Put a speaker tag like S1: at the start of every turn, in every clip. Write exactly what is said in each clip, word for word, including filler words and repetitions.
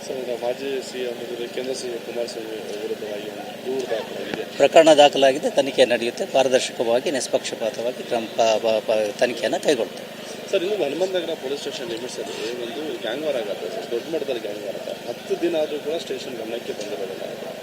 S1: Sir, ಈಗ ಮಾಜಿ CM ವಿರುದ್ಧ ಕೇಂದ್ರ ಸಿಎಂ ಕುಮಾರಸ್ವಾಮಿ ವಿರುದ್ಧವಾಗಿ ಒಂದು ದೂರು ದಾಖಲಾಗಿದೆ.
S2: ಪ್ರಕರಣ ದಾಖಲಾಗಿದೆ, ತನಿಖೆ ನಡೆಯುತ್ತೆ. ಪಾರದರ್ಶಕವಾಗಿ ನಿಷ್ಪಕ್ಷಪಾತವಾಗಿ ಕ್ರಮ ಪ- ಪ- ಪ- ತನಿಖೆಯನ್ನು ಕೈಗೊಳ್ಳುತ್ತೆ.
S1: ಸರ್, ಇನ್ನು ಹನುಮಂತನಗರ ಪೊಲೀಸ್ ಸ್ಟೇಷನ್ ಲಿಮಿಟ್ಸಲ್ಲಿ ಒಂದು ಗ್ಯಾಂಗ್ ವಾರ್ ಆಗತ್ತೆ ಸರ್, ದೊಡ್ಡ ಮಟ್ಟದಲ್ಲಿ ಗ್ಯಾಂಗ್ ವಾರ್ ಆಗುತ್ತೆ. ಹತ್ತು ದಿನ ಆದರೂ ಕೂಡ ಸ್ಟೇಷನ್ ಗಮನಕ್ಕೆ ಬಂದಿರೋದಿಲ್ಲ.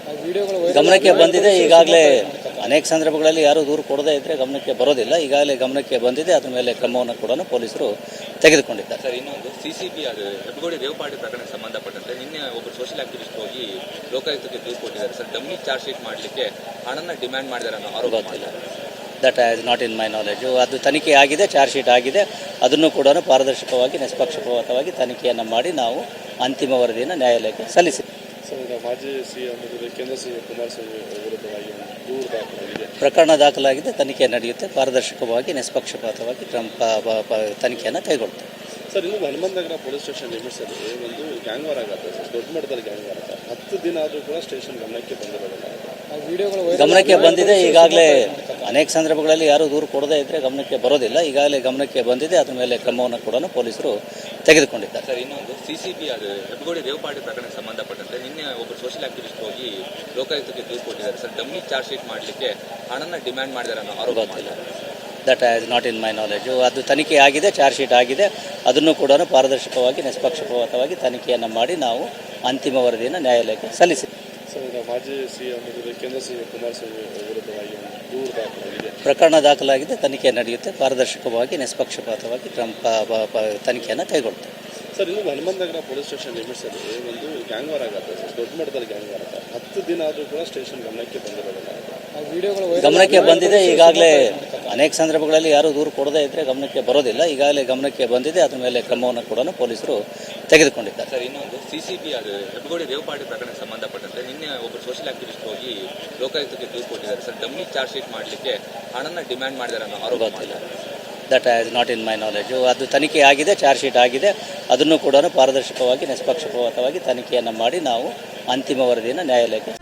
S2: ಗಮನಕ್ಕೆ ಬಂದಿದೆ. ಈಗಾಗಲೇ ಅನೇಕ ಸಂದರ್ಭಗಳಲ್ಲಿ ಯಾರೂ ದೂರು ಕೊಡದೇ ಇದ್ದರೆ ಗಮನಕ್ಕೆ ಬರೋದಿಲ್ಲ. ಈಗಾಗಲೇ ಗಮನಕ್ಕೆ ಬಂದಿದೆ. ಅದ್ರ ಮೇಲೆ ಕ್ರಮವನ್ನು ಕೂಡ ಪೊಲೀಸರು ತೆಗೆದುಕೊಂಡಿದ್ದಾರೆ.
S3: ಸರ್, ಇನ್ನೊಂದು ಸಿಸಿಬಿ ಅದು ಹೆಬ್ಬಗೋಡಿ ರೇವಪಾಡಿ ಪ್ರಕರಣಕ್ಕೆ ಸಂಬಂಧಪಟ್ಟಂತೆ ನಿನ್ನೆ ಒಬ್ಬರು ಸೋಷಿಯಲ್ ಆಕ್ಟಿವಿಸ್ಟ್ ಹೋಗಿ ಲೋಕಾಯುಕ್ತಕ್ಕೆ ದೂರು ಕೊಟ್ಟಿದ್ದಾರೆ ಸರ್. ಡಮ್ಮಿ ಚಾರ್ಜ್ ಶೀಟ್ ಮಾಡಲಿಕ್ಕೆ ಹಣನ ಡಿಮ್ಯಾಂಡ್ ಮಾಡಿದ್ದಾರೆ ಅನ್ನೋ ಆರೋಪ ಮಾಡಿದ್ದಾರೆ.
S2: That is not in my knowledge. ಅದು ತನಿಖೆ ಆಗಿದೆ, ಚಾರ್ಜ್ ಶೀಟ್ ಆಗಿದೆ. ಅದನ್ನು ಕೂಡ ಪಾರದರ್ಶಕವಾಗಿ ನಿಷ್ಪಕ್ಷಪಾತವಾಗಿ ತನಿಖೆಯನ್ನು ಮಾಡಿ ನಾವು ಅಂತಿಮ ವರದಿಯನ್ನು ನ್ಯಾಯಾಲಯಕ್ಕೆ ಸಲ್ಲಿಸಿದ್ದೇವೆ.
S1: ಸರ್, ಈಗ ಮಾಜಿ ಸಿಎಂ ವಿರುದ್ಧ ಕೇಂದ್ರ ಸಿಎಂ ಕುಮಾರಸ್ವಾಮಿ ವಿರುದ್ಧವಾಗಿ ಒಂದು ದೂರು ದಾಖಲಾಗಿದೆ.
S2: ಪ್ರಕರಣ ದಾಖಲಾಗಿದೆ, ತನಿಖೆ ನಡೆಯುತ್ತೆ. ಪಾರದರ್ಶಕವಾಗಿ ನಿಷ್ಪಕ್ಷಪಾತವಾಗಿ ಕ್ರಮ ಪ- ಪ- ಪ- ತನಿಖೆಯನ್ನು ಕೈಗೊಳ್ಳುತ್ತೆ.
S1: ಸರ್, ಇನ್ನು ಹನುಮಂತನಗರ ಪೊಲೀಸ್ ಸ್ಟೇಷನ್ ಲಿಮಿಟ್ಸಲ್ಲಿ ಒಂದು ಗ್ಯಾಂಗ್ ವಾರ್ ಆಗತ್ತೆ ಸರ್, ದೊಡ್ಡ ಮಟ್ಟದಲ್ಲಿ ಗ್ಯಾಂಗ್ ವಾರ್ ಆಗುತ್ತೆ. ಹತ್ತು ದಿನ ಆದರೂ ಕೂಡ ಸ್ಟೇಷನ್ ಗಮನಕ್ಕೆ ಬಂದಿರೋದಿಲ್ಲ.
S2: ಗಮನಕ್ಕೆ ಬಂದಿದೆ. ಈಗಾಗಲೇ ಅನೇಕ ಸಂದರ್ಭಗಳಲ್ಲಿ ಯಾರೂ ದೂರು ಕೊಡದೇ ಇದ್ದರೆ ಗಮನಕ್ಕೆ ಬರೋದಿಲ್ಲ. ಈಗಾಗಲೇ ಗಮನಕ್ಕೆ ಬಂದಿದೆ. ಅದ್ರ ಮೇಲೆ ಕ್ರಮವನ್ನು ಕೂಡ ಪೊಲೀಸರು ತೆಗೆದುಕೊಂಡಿದ್ದಾರೆ.
S3: ಸರ್, ಇನ್ನೊಂದು ಸಿಸಿಬಿ ಅದು ಹೆಬ್ಬಗೋಡಿ ರೇವಪಾಡಿ ಪ್ರಕರಣಕ್ಕೆ ಸಂಬಂಧಪಟ್ಟಂತೆ ನಿನ್ನೆ ಒಬ್ಬರು ಸೋಷಿಯಲ್ ಆಕ್ಟಿವಿಸ್ಟ್ ಹೋಗಿ ಲೋಕಾಯುಕ್ತಕ್ಕೆ ದೂರು ಕೊಟ್ಟಿದ್ದಾರೆ ಸರ್. ಡಮ್ಮಿ ಚಾರ್ಜ್ ಶೀಟ್ ಮಾಡಲಿಕ್ಕೆ ಹಣನ ಡಿಮ್ಯಾಂಡ್ ಮಾಡಿದ್ದಾರೆ ಅನ್ನೋ ಆರೋಪ ಮಾಡಿದ್ದಾರೆ.
S2: That is not in my knowledge. ಅದು ತನಿಖೆ ಆಗಿದೆ, ಚಾರ್ಜ್ ಶೀಟ್ ಆಗಿದೆ. ಅದನ್ನು ಕೂಡ ಪಾರದರ್ಶಕವಾಗಿ ನಿಷ್ಪಕ್ಷಪಾತವಾಗಿ ತನಿಖೆಯನ್ನು ಮಾಡಿ ನಾವು ಅಂತಿಮ ವರದಿಯನ್ನು ನ್ಯಾಯಾಲಯಕ್ಕೆ ಸಲ್ಲಿಸಿದ್ದೇವೆ.
S1: ಸರ್, ಈಗ ಮಾಜಿ ಸಿಎಂ ವಿರುದ್ಧ ಕೇಂದ್ರ ಸಿಎಂ ಕುಮಾರಸ್ವಾಮಿ ವಿರುದ್ಧವಾಗಿ ಒಂದು ದೂರು ದಾಖಲಾಗಿದೆ.
S2: ಪ್ರಕರಣ ದಾಖಲಾಗಿದೆ, ತನಿಖೆ ನಡೆಯುತ್ತೆ. ಪಾರದರ್ಶಕವಾಗಿ ನಿಷ್ಪಕ್ಷಪಾತವಾಗಿ ಕ್ರಮ ಪ- ಪ- ಪ- ತನಿಖೆಯನ್ನು ಕೈಗೊಳ್ಳುತ್ತೆ.
S1: ಸರ್, ಇನ್ನು ಹನುಮಂತನಗರ ಪೊಲೀಸ್ ಸ್ಟೇಷನ್ ಲಿಮಿಟ್ಸಲ್ಲಿ ಒಂದು ಗ್ಯಾಂಗ್ ವಾರ್ ಆಗತ್ತೆ ಸರ್, ದೊಡ್ಡ ಮಟ್ಟದಲ್ಲಿ ಗ್ಯಾಂಗ್ ವಾರ್ ಆಗುತ್ತೆ. ಹತ್ತು ದಿನ ಆದರೂ ಕೂಡ ಸ್ಟೇಷನ್ ಗಮನಕ್ಕೆ ಬಂದಿರೋದಿಲ್ಲ.
S2: ಗಮನಕ್ಕೆ ಬಂದಿದೆ. ಈಗಾಗಲೇ ಅನೇಕ ಸಂದರ್ಭಗಳಲ್ಲಿ ಯಾರೂ ದೂರು ಕೊಡದೇ ಇದ್ದರೆ ಗಮನಕ್ಕೆ ಬರೋದಿಲ್ಲ. ಈಗಾಗಲೇ ಗಮನಕ್ಕೆ ಬಂದಿದೆ. ಅದ್ರ ಮೇಲೆ ಕ್ರಮವನ್ನು ಕೂಡ ಪೊಲೀಸರು ತೆಗೆದುಕೊಂಡಿದ್ದಾರೆ.
S3: ಸರ್, ಇನ್ನೊಂದು ಸಿಸಿಬಿ ಅದು ಹೆಬ್ಬಗೋಡಿ ರೇವಪಾಡಿ ಪ್ರಕರಣಕ್ಕೆ ಸಂಬಂಧಪಟ್ಟಂತೆ ನಿನ್ನೆ ಒಬ್ಬರು ಸೋಷಿಯಲ್ ಆಕ್ಟಿವಿಸ್ಟ್ ಹೋಗಿ ಲೋಕಾಯುಕ್ತಕ್ಕೆ ದೂರು ಕೊಟ್ಟಿದ್ದಾರೆ ಸರ್. ಡಮ್ಮಿ ಚಾರ್ಜ್ ಶೀಟ್ ಮಾಡಲಿಕ್ಕೆ ಹಣನ ಡಿಮ್ಯಾಂಡ್ ಮಾಡಿದ್ದಾರೆ ಅನ್ನೋ ಆರೋಪ ಮಾಡಿದ್ದಾರೆ.
S2: That is not in my knowledge. ಅದು ತನಿಖೆ ಆಗಿದೆ, ಚಾರ್ಜ್ ಶೀಟ್ ಆಗಿದೆ. ಅದನ್ನು ಕೂಡ ಪಾರದರ್ಶಕವಾಗಿ ನಿಷ್ಪಕ್ಷಪಾತವಾಗಿ ತನಿಖೆಯನ್ನು ಮಾಡಿ ನಾವು ಅಂತಿಮ ವರದಿಯನ್ನು ನ್ಯಾಯಾಲಯಕ್ಕೆ